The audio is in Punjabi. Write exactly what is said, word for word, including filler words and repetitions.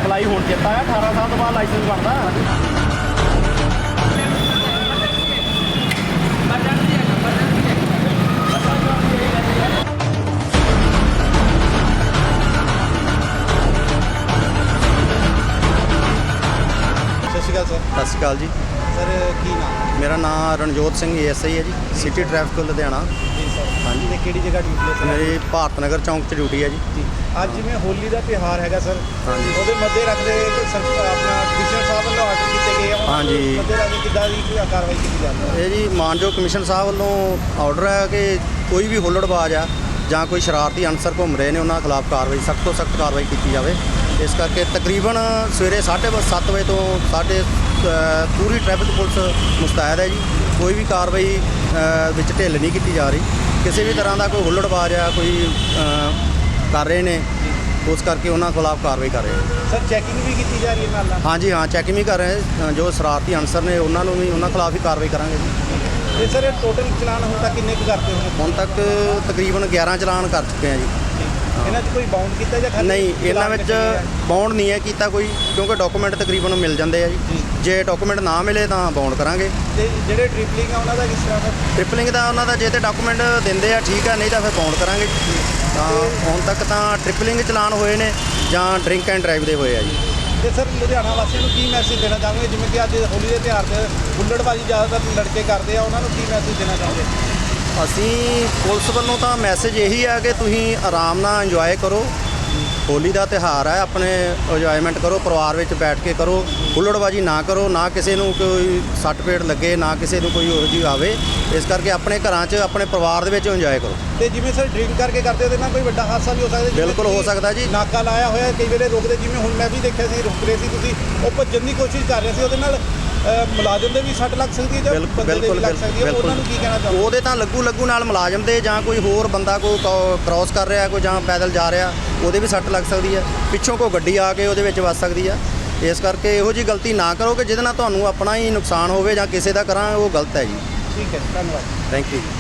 ਅਪਲਾਈ ਹੁਣ ਕੀਤਾ ਹੈ, ਅਠਾਰਾਂ ਸਾਲ ਤੋਂ ਬਾਅਦ ਲਾਇਸੈਂਸ ਬਣਦਾ। ਸਤਿ ਸ਼੍ਰੀ ਅਕਾਲ ਸਰ। ਸਤਿ ਸ਼੍ਰੀ ਅਕਾਲ ਜੀ। ਸਰ ਕੀ ਨਾਮ? ਮੇਰਾ ਨਾਮ Ranjot Singh A S I ਹੈ ਜੀ, ਸਿਟੀ ਟ੍ਰੈਫਿਕ ਲੁਧਿਆਣਾ। ਜੀ ਸਰ। ਹਾਂਜੀ। ਤੇ ਕਿਹੜੀ ਜਗ੍ਹਾ ਡਿਊਟੀ ਹੈ ਸਰ? ਮੇਰੀ ਭਾਰਤ ਨਗਰ ਚੌਂਕ 'ਚ ਡਿਊਟੀ ਹੈ ਜੀ। ਜੀ ਅੱਜ ਜਿਵੇਂ ਹੋਲੀ ਦਾ ਤਿਉਹਾਰ ਹੈਗਾ ਸਰ, ਹਾਂਜੀ। ਉਹਦੇ ਮੱਦੇ ਰੱਖਦੇ ਸਰ ਆਪਣਾ ਕਮਿਸ਼ਨਰ ਸਾਹਿਬ ਵੱਲੋਂ ਆਰਡਰ ਕੀਤੇ ਗਏ ਆ, ਉਹਨਾਂ ਹਾਂਜੀ। ਦੇ ਮੱਦੇ ਰੱਖਦੇ ਕਿੱਦਾਂ ਦੀ ਕੀ ਕਾਰਵਾਈ ਕੀਤੀ ਜਾਂਦੀ ਹੈ? ਇਹ ਜੀ ਮਾਨਯੋਗ ਕਮਿਸ਼ਨ ਸਾਹਿਬ ਵੱਲੋਂ ਆਰਡਰ ਹੈ ਕਿ ਕੋਈ ਵੀ ਹੁੱਲੜਬਾਜ਼ ਆ ਜਾਂ ਕੋਈ ਸ਼ਰਾਰਤੀ ਅਨਸਰ ਘੁੰਮ ਰਹੇ ਨੇ, ਉਹਨਾਂ ਖਿਲਾਫ ਕਾਰਵਾਈ ਸਖਤ ਤੋਂ ਸਖਤ ਕਾਰਵਾਈ ਕੀਤੀ ਜਾਵੇ। ਇਸ ਕਰਕੇ ਤਕਰੀਬਨ ਸਵੇਰੇ ਸਾਢੇ ਸੱਤ ਵਜੇ ਤੋਂ ਸਾਡੇ ਪੂਰੀ ਟ੍ਰੈਫਿਕ ਪੁਲਿਸ ਮੁਸਤੈਦ ਹੈ ਜੀ। ਕੋਈ ਵੀ ਕਾਰਵਾਈ ਅ, ਵਿੱਚ ਢਿੱਲ ਨਹੀਂ ਕੀਤੀ ਜਾ ਰਹੀ। ਕਿਸੇ ਵੀ ਤਰ੍ਹਾਂ ਦਾ ਕੋਈ ਹੁੱਲੜਬਾਜ਼ ਆ ਕੋਈ ਅ, ਕਰ ਰਹੇ ਨੇ, ਉਸ ਕਰਕੇ ਉਹਨਾਂ ਖਿਲਾਫ ਕਾਰਵਾਈ ਕਰ ਰਹੇ ਹਾਂ। ਸਰ ਚੈਕਿੰਗ ਵੀ ਕੀਤੀ ਜਾ ਰਹੀ ਹੈ ਨਾਲ ਨਾਲ? ਹਾਂਜੀ ਹਾਂ, ਚੈਕਿੰਗ ਵੀ ਕਰ ਰਹੇ ਹਾਂ। ਜੋ ਸ਼ਰਾਰਤੀ ਅਨਸਰ ਨੇ ਉਹਨਾਂ ਨੂੰ ਵੀ ਉਹਨਾਂ ਖਿਲਾਫ ਹੀ ਕਾਰਵਾਈ ਕਰਾਂਗੇ ਜੀ। ਤੇ ਸਰ ਇਹ ਟੋਟਲ ਚਲਾਨ ਹੁਣ ਤੱਕ ਕਿੰਨੇ ਕੁ ਕਰਤੇ ਹੋਣੇ? ਹੁਣ ਤੱਕ ਤਕਰੀਬਨ ਗਿਆਰਾਂ ਚਲਾਨ ਕਰ ਚੁੱਕੇ ਹਾਂ ਜੀ। ਇਹਨਾਂ 'ਚ ਕੋਈ ਬਾਉਂਡ ਕੀਤਾ ਜਾਂ ਖਾਲੀ ਨਹੀਂ, ਇਹਨਾਂ ਚਲਾਨ ਵਿੱਚ ਕੱਟੇ ਗਏ ਆ? ਬਾਉਂਡ ਨਹੀਂ ਹੈ ਕੀਤਾ ਕੋਈ, ਕਿਉਂਕਿ ਡਾਕੂਮੈਂਟ ਤਕਰੀਬਨ ਮਿਲ ਜਾਂਦੇ ਆ ਜੀ। ਜੀ। ਜੇ ਡਾਕੂਮੈਂਟ ਨਾ ਮਿਲੇ ਤਾਂ ਬਾਉਂਡ ਕਰਾਂਗੇ। ਤੇ ਜਿਹੜੇ ਟ੍ਰਿਪਲਿੰਗ ਆ ਉਹਨਾਂ ਦਾ ਕਿਸ ਤਰ੍ਹਾਂ ਦਾ? ਟ੍ਰਿਪਲਿੰਗ ਦਾ ਉਹਨਾਂ ਦਾ ਜੇ ਤੇ ਡਾਕੂਮੈਂਟ ਦਿੰਦੇ ਆ ਠੀਕ ਆ, ਨਹੀਂ ਤਾਂ ਫਿਰ ਬਾਉਂਡ ਕਰਾਂਗੇ। ਤਾਂ ਹੁਣ ਤੱਕ ਤਾਂ ਟ੍ਰਿਪਲਿੰਗ ਚਲਾਨ ਹੋਏ ਨੇ ਜਾਂ ਡਰਿੰਕ ਐਂਡ ਡਰਾਈਵ ਦੇ ਹੋਏ ਆ ਜੀ। ਤੇ ਸਰ ਲੁਧਿਆਣਾ ਵਾਸੀਆਂ ਨੂੰ ਕੀ ਮੈਸੇਜ ਦੇਣਾ ਚਾਹੋਗੇ, ਜਿਵੇਂ ਕਿ ਅੱਜ ਹੋਲੀ ਦੇ ਤਿਉਹਾਰ ਤੇ ਹੁੱਲੜਬਾਜ਼ੀ ਜ਼ਿਆਦਾਤਰ ਲੜਕੇ ਕਰਦੇ ਆ, ਉਹਨਾਂ ਨੂੰ ਕੀ ਮੈਸੇਜ ਦੇਣਾ ਚਾਹੋਗੇ? ਅਸੀਂ ਪੁਲਿਸ ਵੱਲੋਂ ਤਾਂ ਮੈਸੇਜ ਇਹੀ ਆ ਕਿ ਤੁਸੀਂ ਆਰਾਮ ਨਾਲ ਇੰਜੋਏ ਕਰੋ। ਹੋਲੀ ਦਾ ਤਿਉਹਾਰ ਹੈ, ਆਪਣੇ ਇੰਜੋਏਮੈਂਟ ਕਰੋ, ਪਰਿਵਾਰ ਵਿੱਚ ਬੈਠ ਕੇ ਕਰੋ। ਹੁੱਲੜਬਾਜ਼ੀ ਨਾ ਕਰੋ, ਨਾ ਕਿਸੇ ਨੂੰ ਕੋਈ ਸੱਟ ਪੇਟ ਲੱਗੇ, ਨਾ ਕਿਸੇ ਨੂੰ ਕੋਈ ਉਹੋ ਜਿਹੀ ਆਵੇ। ਇਸ ਕਰਕੇ ਆਪਣੇ ਘਰਾਂ 'ਚ ਆਪਣੇ ਪਰਿਵਾਰ ਦੇ ਵਿੱਚ ਇੰਜੋਏ ਕਰੋ। ਤੇ ਜਿਵੇਂ ਸਰ ਡਰਿੰਕ ਕਰਕੇ ਕਰਦੇ ਉਹਦੇ ਨਾਲ ਕੋਈ ਵੱਡਾ ਹਾਦਸਾ ਵੀ ਹੋ ਸਕਦਾ? ਜਿਵੇਂ ਬਿਲਕੁਲ ਹੋ ਤੁਸੀਂ ਸਕਦਾ ਜੀ। ਨਾਕਾ ਲਾਇਆ ਹੋਇਆ, ਕਈ ਵੇਲੇ ਰੁਕਦੇ, ਜਿਵੇਂ ਹੁਣ ਮੈਂ ਵੀ ਦੇਖਿਆ ਸੀ ਰੁਕ ਰਹੇ ਸੀ ਤੁਸੀਂ, ਉਹ ਭੱਜਣ ਦੀ ਕੋਸ਼ਿਸ਼ ਕਰ ਰਹੇ ਸੀ, ਉਹਦੇ ਨਾਲ ਅ, ਮੁਲਾਜ਼ਮ ਦੇ ਵੀ ਸੱਟ ਲੱਗ ਸਕਦੀ ਹੈ ਜਾਂ ਬਿਲਕੁਲ ਬੰਦੇ ਦੇ ਵੀ ਬਿਲਕੁਲ ਲੱਗ ਸਕਦੀ ਹੈ, ਉਹਨਾਂ ਨੂੰ ਕੀ ਕਹਿਣਾ ਚਾਹੋਗੇ? ਉਹਦੇ ਤਾਂ ਲੱਗੂ ਲੱਗੂ ਨਾਲ ਮੁਲਾਜ਼ਮ ਦੇ, ਜਾਂ ਕੋਈ ਹੋਰ ਬੰਦਾ ਕੋਈ ਕ੍ਰਾਸ ਕਰ ਰਿਹਾ, ਕੋਈ ਜਾਂ ਪੈਦਲ ਜਾ ਰਿਹਾ, ਉਹਦੇ ਵੀ ਸੱਟ ਲੱਗ ਸਕਦੀ ਹੈ। ਪਿੱਛੋਂ ਕੋਈ ਗੱਡੀ ਆ ਕੇ ਉਹਦੇ ਵਿੱਚ ਵੱਜ ਸਕਦੀ ਆ। ਇਸ ਕਰਕੇ ਇਹੋ ਜਿਹੀ ਗਲਤੀ ਨਾ ਕਰੋ ਕਿ ਜਿਹਦੇ ਨਾਲ ਤੁਹਾਨੂੰ ਆਪਣਾ ਹੀ ਨੁਕਸਾਨ ਹੋਵੇ ਜਾਂ ਕਿਸੇ ਦਾ ਕਰਾਂ, ਉਹ ਗਲਤ ਹੈ ਜੀ। ਠੀਕ ਹੈ, ਧੰਨਵਾਦ। Thank you.